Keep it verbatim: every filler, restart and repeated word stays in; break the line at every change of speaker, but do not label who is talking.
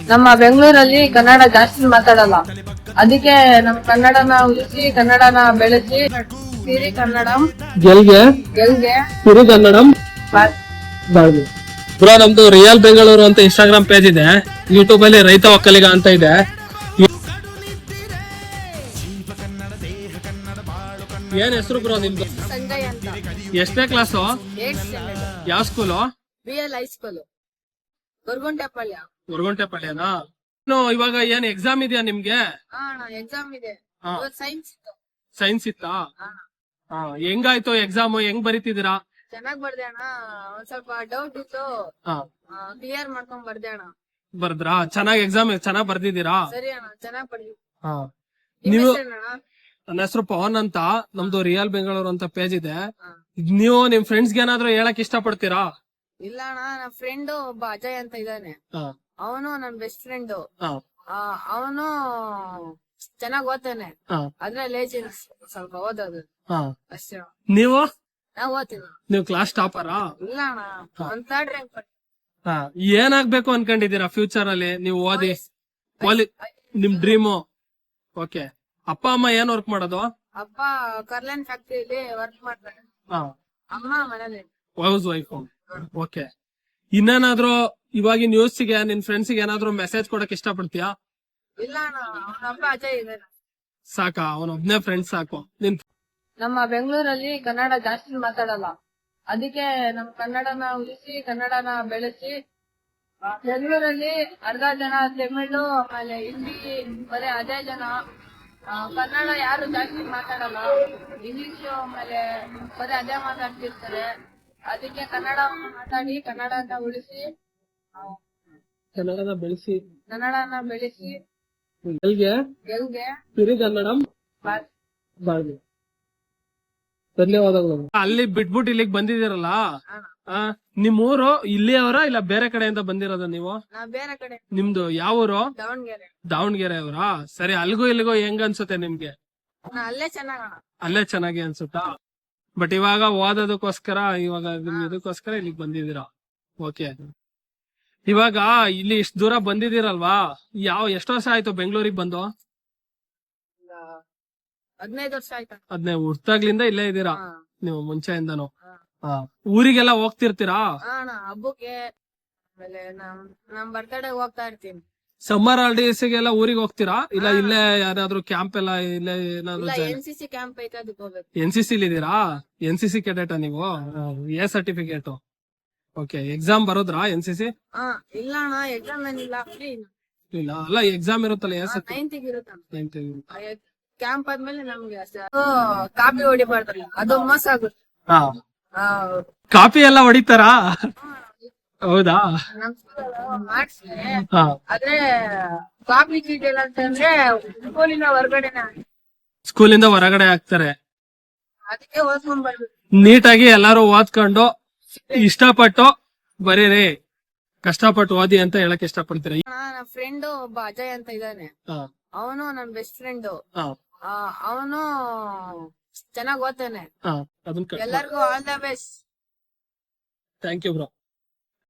ನಮ್ಮ ಬೆಂಗಳೂರಲ್ಲಿ ಕನ್ನಡ ಜಾಸ್ತಿ ಮಾತಾಡಲ್ಲ, ಅದಕ್ಕೆ ನಮ್ಮ ಕನ್ನಡನ ಉಳಿಸಿ ಕನ್ನಡನ ಬೆಳೆಸಿ ಸಿರಿ ಕನ್ನಡಂ
ಗೆಲ್ಗೆ
ಗೆಲ್ಗೆ
ಸಿರಿ ಕನ್ನಡಂ
ಬಾ-
ಬಾಳ್ಗೆ. ಬ್ರೋ, ನಮ್ದು ರಿಯಲ್ ಬೆಂಗಳೂರು ಅಂತ ಇನ್ಸ್ಟಾಗ್ರಾಮ್ ಪೇಜ್ ಇದೆ, ಯೂಟ್ಯೂಬ್ ಅಲ್ಲಿ ರೈತ ಒಕ್ಕಲಿಗ ಅಂತ ಇದೆ. ಏನ್ ಹೆಸರು ಬ್ರೋ ನಿಮ್ದು?
ಸಂಜಯ್ ಅಂತ.
ಎಷ್ಟನೇ ಕ್ಲಾಸು?
ಏಟ್ ಸ್ಟ್ಯಾಂಡರ್ಡ್,
ಯಾವ school?
B L high school, Goraguntepalya.
ಗೊರಗುಂಟೆಪಾಳ್ಯನಾ? ಇನ್ನು ಇವಾಗ ಏನ್ ಎಕ್ಸಾಮ್ ಇದೆಯಾ ನಿಮ್ಗೆ?
ಹಾ ಅಣ್ಣ, ಎಕ್ಸಾಮ್ ಇದೆ.
ಹಾ.
ಸೈನ್ಸ್ ಇತ್ತು.
ಸೈನ್ಸ್ ಇತ್ತಾ?
ಹಾ.
ಹಾ, ಹೆಂಗಾಯ್ತು ಎಕ್ಸಾಮ್? ಹೆಂಗ್ ಬರೀತಿದ್ದೀರಾ?
ಚೆನ್ನಾಗ್ ಬರ್ದೆ ಅಣ್ಣ. ಒಂದ್ ಸ್ವಲ್ಪ ಡೌಟ್ ಇತ್ತು,
ಹಾ,
ಕ್ಲಿಯರ್ ಮಾಡ್ಕೊಂಡ್ ಬರ್ದೆ ಅಣ್ಣ.
ಬರ್ದ್ರಾ? ಚೆನ್ನಾಗ್ ಎಕ್ಸಾಮ್ ಚೆನ್ನಾಗ್ ಬರ್ದಿದ್ದೀರಾ?
ಸರಿ ಅಣ್ಣ, ಚೆನ್ನಾಗ್ ಬರ್ದಿ.
ಹಾ.
ನಿಮ್
ನೀವು?
ಹೆಸ್ರೇನಣ್ಣ?
ನನ್ನ ಹೆಸರು ಪವನ್ ಅಂತ. ನಮ್ದು ರಿಯಲ್ ಬೆಂಗಳೂರು ಅಂತ ಪೇಜ್ ಇದೆ.
ಹಾ.
ನೀವು ನಿಮ್ ಫ್ರೆಂಡ್ಸ್ಗೆ ಏನಾದ್ರು ಹೇಳಕ್ ಇಷ್ಟ ಪಡ್ತೀರಾ?
ಇಲ್ಲ ಅಣ್ಣ, ನನ್ನ ಫ್ರೆಂಡ್ ಒಬ್ಬ ಅಜಯ್ ಅಂತ ಇದ್ದಾನೆ.
ಹಾ,
ಅವನು ನನ್ ಬೆಸ್ಟ್ ಫ್ರೆಂಡ್.
ಹಾ,
ಅವನು ಚೆನ್ನಾಗ್ ಓದ್ತಾನೆ,
ಹಾ,
ಆದ್ರೆ ಲೇಜಿ ಸ್ವಲ್ಪ ಓದೋದು
ಹಾ.
ಅಷ್ಟೇ ಅಣ್ಣ.
ನೀವು?
ನಾವ್ ಓದ್ತೀವಿ.
ನೀವು ಕ್ಲಾಸ್ ಟಾಪರಾ?
ಇಲ್ಲ ಅಣ್ಣ, ಒಂದ್ ಥರ್ಡ್ ರ್ಯಾಂಕ್.
ಹಾ. ಏನಾಗ್ಬೇಕು ಅನ್ಕೊಂಡಿದೀರಾ ಫ್ಯೂಚರ್ ಅಲ್ಲಿ ನೀವು ಓದಿ? ಪೊಲಿ ನಿಮ್ ಡ್ರೀಮು? ಓಕೆ. ಅಪ್ಪ ಅಮ್ಮ ಏನ್ ವರ್ಕ್ ಮಾಡೋದು?
ಅಪ್ಪ ಕರ್ಲನ್ ಫ್ಯಾಕ್ಟ್ರಿಯಲ್ಲಿ ವರ್ಕ್ ಮಾಡ್ತಾರೆ,
ಹಾ,
ಅಮ್ಮ ಮನೇಲಿ.
House wife. ಓಕೆ. ಇನ್ನೇನಾದ್ರೂ ಇವಾಗಿನ ನ್ಯೂಸ್ಗೆ ನಿನ್ ಫ್ರೆಂಡ್ಸ್ಗೆ ಏನಾದ್ರು ಮೆಸೇಜ್ ಕೊಡಕ್ ಇಷ್ಟ ಪಡ್ತೀಯಾ?
ಇಲ್ಲ ಅಣ್ಣ, ಅವನ ಅಪ್ಪ ಅಜಯ್ ಇದ್ದಾನೆ.
ಸಾಕಾ? ಅವನೊಬ್ನೇ ಫ್ರೆಂಡ್ ಸಾಕು ನಿನ್?
ನಮ್ಮ ಬೆಂಗಳೂರಲ್ಲಿ ಕನ್ನಡ ಜಾಸ್ತಿ ಮಾತಾಡಲ್ಲ, ಅದಕ್ಕೆ ನಮ್ಮ ಕನ್ನಡನ ಉಳಿಸಿ ಕನ್ನಡನ ಬೆಳೆಸಿ. ಬೆಂಗಳೂರಲ್ಲಿ ಅರ್ಧ ಜನ ತಮಿಳು, ಆಮೇಲೆ ಹಿಂದಿ, ಬರೀ ಅದೇ ಜನ. ಆ, ಕನ್ನಡ ಯಾರು ಜಾಸ್ತಿ ಮಾತಾಡಲ್ಲ, ಇಂಗ್ಲಿಷ್ ಆಮೇಲೆ ಬರೀ ಅದೇ ಮಾತಾಡ್ತಿರ್ತಾರೆ. ಅದಕ್ಕೆ ಕನ್ನಡ ಮಾತಾಡಿ ಕನ್ನಡನ ಉಳಿಸಿ ಆ,
ಕನ್ನಡನ ಬೆಳೆಸಿ
ಕನ್ನಡನ ಬೆಳೆಸಿ
ಗೆಲ್ಗೆ
ಗೆಲ್ಗೆ
ಸಿರಿ ಕನ್ನಡಂ
ಬಾ-
ಬಾಳ್ಗೆ. ಧನ್ಯವಾದಗಳು. ಅಲ್ಲಿ ಬಿಟ್ಬಿಟ್ಟು ಇಲ್ಲಿಗೆ ಬಂದಿದ್ದೀರಲ್ಲ,
ಅಣ್ಣ,
ಆ, ನಿಮ್ ಊರು ಇಲ್ಲಿಯವರ ಇಲ್ಲ ಬೇರೆ ಕಡೆಯಿಂದ ಬಂದಿರೋದ ನೀವು?
ನಾ ಬೇರೆ ಕಡೆ,
ನಿಮ್ದು ಯಾವ ಊರು?
ದಾವಣಗೆರೆ.
ದಾವಣಗೆರೆ ಅವರಾ? ಸರಿ. ಅಲ್ಗೂ ಇಲ್ಲಿಗೂ ಹೆಂಗ್ ಅನ್ಸುತ್ತೆ ನಿಮ್ಗೆ?
ನಾ ಅಲ್ಲೇ ಚೆನ್ನಾಗಣ.
ಅಲ್ಲೇ ಚೆನ್ನಾಗಿ ಅನ್ಸುತ್ತಾ? ಬಟ್ ಇವಾಗ ಓದೋದಕ್ಕೋಸ್ಕರ ಇವಾಗ ನಿಮ್ ಇದಕ್ಕೋಸ್ಕರ ಇಲ್ಲಿಗೆ ಬಂದಿದ್ದೀರಾ? ಓಕೆ. ಇವಾಗ ಇಲ್ಲಿ ಇಷ್ಟ ದೂರ ಬಂದಿದ್ದೀರಲ್ವಾ, ಯಾವ ಎಷ್ಟು ವರ್ಷ ಆಯ್ತು ಬೆಂಗಳೂರಿಗೆ ಬಂದು?
ಹದಿನೈದು ವರ್ಷ ಆಯ್ತಾ?
ಅದ್ನೇ ಹುಟ್ಟಾಗ್ಲಿಂದ ಇಲ್ಲೇ ಇದ್ದೀರಾ
ಹಾ.
ನೀವು ಮುಂಚೆಯಿಂದನು?
ಹಾ.
ಹಾ. ಊರಿಗೆಲ್ಲ ಹೋಗ್ತಿರ್ತೀರಾ?
ಹಾ ಅಣ್ಣ, ಹಬ್ಬಕ್ಕೆ ಆಮೇಲೆ ನಮ್ ನಮ್ ಬರ್ತಡೇ ಹೋಗ್ತಾ ಇರ್ತೀನಿ.
ಸಮ್ಮರ್ ಹಾಲಿಡೇಸ್ಗೆಲ್ಲ ಊರಿಗೆ ಹೋಗ್ತೀರಾ ಇಲ್ಲ
ಹಾ.
ಇಲ್ಲೇ ಯಾರಾದ್ರೂ ಕ್ಯಾಂಪ್ ಎಲ್ಲ ಇಲ್ಲೇ ಏನಾದ್ರು
ಇಲ್ಲ,
join?
N C C camp ಐತೆ, ಅದಕ್ಕೆ ಹೋಗ್ಬೇಕು.
ಎನ್ ಸಿ ಸಿ ಇದೀರಾ? ಎನ್ ಸಿ ಸಿ ಕೆಡೆಟ ನೀವು? A certificate. ಓಕೆ. ಎಕ್ಸಾಮ್ ಬರೋದ್ರಾ ಎನ್ ಸಿ ಸಿ?
ಹಾ. ಇಲ್ಲ ಅಣ್ಣ, ಎಕ್ಸಾಮ್ ಏನಿಲ್ಲ, ಫ್ರೀ.
ಇಲ್ಲ ಅಲ್ಲ, ಎಕ್ಸಾಮ್ ಇರುತ್ತಲ್ಲ ಎ
ನೈನ್ತ್ ಇರುತ್ತಣ್ಣ.
ಸರ್ಟಿಫಿಕೇಟ್.
ಕ್ಯಾಂಪ್ ಆದ್ಮೇಲೆ ನಮ್ಗೆ ಅಷ್ಟೇ. ಅದು ಕಾಪಿ ಹೊಡಿಬಾರ್ದಲ್ಲ, ಅದು ಮೋಸ ಆಗುತ್ತೆ.
ಹಾ.
ಆ,
ಕಾಪಿ ಎಲ್ಲ ಹೊಡಿತಾರಾ? ಹೌದಾ?
ನಮ್ ಸ್ಕೂಲ್ ಮಾಡ್ಸಿ,
ಹಾ.
ಆದ್ರೆ ಕಾಪಿ ಚೀಟ್ ಇಲ್ಲ ಅಂತಂದ್ರೆ ಸ್ಕೂಲಿನ ಹೊರಗಡೆನೆ,
ಸ್ಕೂಲಿಂದ ಹೊರಗಡೆ ಹಾಕ್ತಾರೆ.
ಅದಕ್ಕೆ ಓದ್ಕೊಂಡ್ ಬರ್ಬೇಕು.
ನೀಟಾಗಿ ಎಲ್ಲಾರು ಓದ್ಕೊಂಡು ಇಷ್ಟಪಟ್ಟು ಬರೀರಿ, ಕಷ್ಟಪಟ್ಟು ಓದಿ ಅಂತ ಹೇಳಕ್ ಇಷ್ಟಪಡ್ತೀರಾ?
ನನ್ನ ಫ್ರೆಂಡ್ ಒಬ್ಬ ಅಜಯ್ ಅಂತ ಇದ್ದಾನೆ.
ಹಾ,
ಅವನು ನನ್ ಬೆಸ್ಟ್ ಫ್ರೆಂಡ್.
ಹಾ,
ಅವನು ಚೆನ್ನಾಗ್ ಓದ್ತಾನೆ.
ಹಾ. ಅದನ್ನ
ಎಲ್ಲರಿಗೂ all the best.
Thank you bro.